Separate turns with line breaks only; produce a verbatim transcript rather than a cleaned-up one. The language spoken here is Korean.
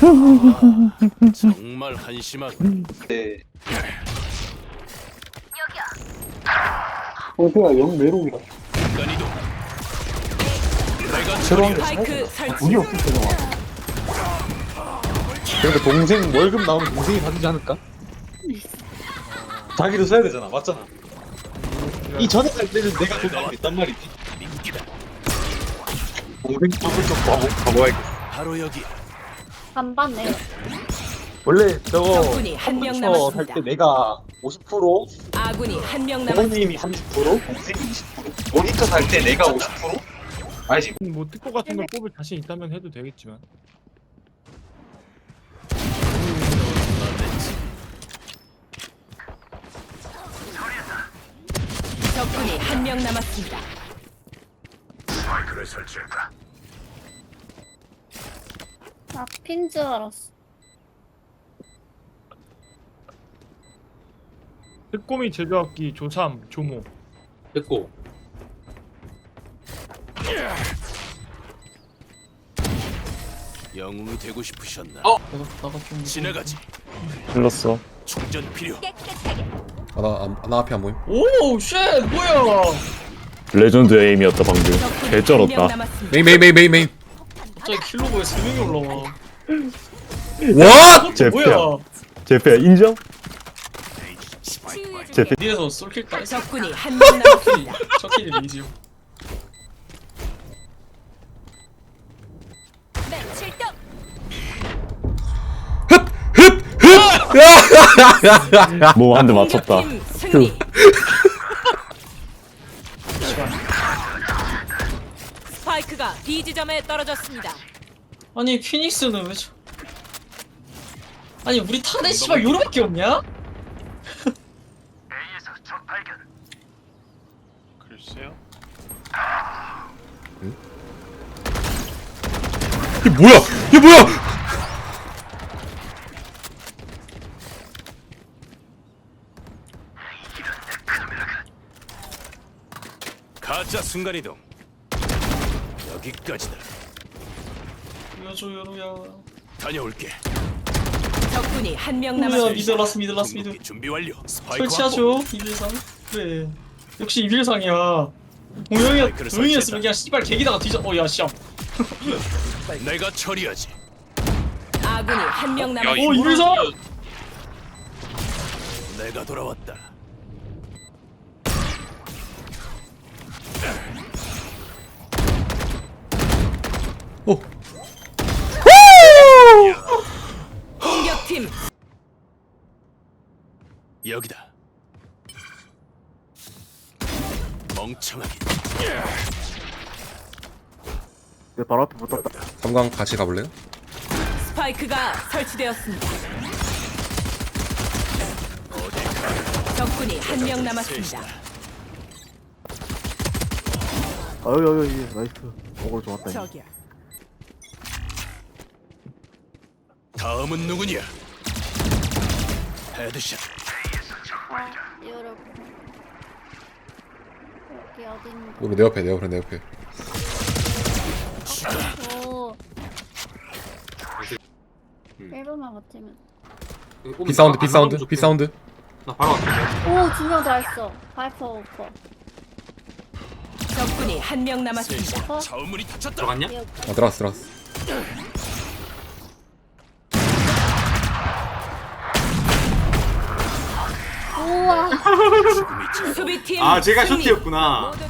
정말 한심하다.
네.
어제가 영 매력이다.
인간이도 내가
새로운 게
스파이크
아,
설치.
돈이 없을 때가 그러니까 동생 월급 나오면 동생이 받지 않을까? 자기도 써야 되잖아, 맞잖아. 이 전에 갈 때는 내가 돈 받고 있단 말이지.
민기다.
동생 쪽을 좀 가보, 가봐야겠어.
바로 여기.
반반네.
원래 저거
적군이 한명
컴퓨터 살
남았습니다.
때 내가 오십 퍼센트,
아군이 한 명 남았습니다.
부모님이 삼십 퍼센트, 동생이 이십 퍼센트. 모니터 살 때 내가 오십 퍼센트? 알지?
뭐 특고 같은 걸 뽑을 자신 있다면 해도 되겠지만
적군이 한 명 남았습니다.
마이크를 설치했다.
아, 핀 줄 알았어.
특고미 제조학기 조삼 조모
됐고.
영웅이 되고 싶으셨나?
어?
지나가지.
불렀어.
충전 필요.
아, 나, 안- 나 앞에 안 보임?
오, 쉣, 뭐야?
레전드 에임이었다 방금.
적군이 한 명
개쩔었다.
남았습니다.
메인 메인 메인 메인 메인.
갑자기 킬로그에 세 명이 올라와.
와!
제프야.
뭐야?
제프야 인정? 제프.
니에서 쏠킬 따 했어.
적군이 한 명 남았습니다.
첫 킬이 레이지요.
출동.
뭐 한 대 맞췄다.
공격팀 승리. 스파이크가 B 지점에 떨어졌습니다.
아니, 피닉스는 왜 저... 아니, 우리 탄에 씨발 요로밖에 없냐?
글쎄요.
이게 뭐야? 이게 뭐야?
가짜 순간이동. 여기까지다.
보여줘, 요로야.
다녀올게.
적군이 한 명
요로야,
남았습니다.
미드 라스, 미드 라스, 미드.
궁극기 준비 완료. 스파이크
설치하죠, 이빌상. 그래. 역시 이빌상이야. 동영이,
마이크를
동영이었으면 그냥 씨발 개기다가 뒤져. 어, 야, 씨.
확보. 내가 처리하지.
아군이 한 명
오,
남았습니다.
이빌상!
내가 돌아왔다.
오.
공격팀
여기다. 멍청하게.
내 바로 앞에 붙었다.
삼광 같이 가볼래요?
스파이크가 설치되었습니다. 적군이 한 명 남았습니다.
아유 아유 예 나이스. 어글 좋았다.
저기야.
다음은 누구냐? 헤드샷.
아, 여러분. 여기 어딘가.
우리 내 옆에 내 옆에 내 옆에.
오. 일 분만 버티면.
비 사운드 비 사운드 비 사운드.
나 바로 갈게.
오, 두 명 다 했어. 바이퍼 오퍼.
적군이 한 명 남았습니다.
어?
자우문이 닫혔다.
들어갔냐?
여기.
어 들어왔어 들어왔어.
우와.
수비팀
아, 제가
승리.
쇼트였구나.
모두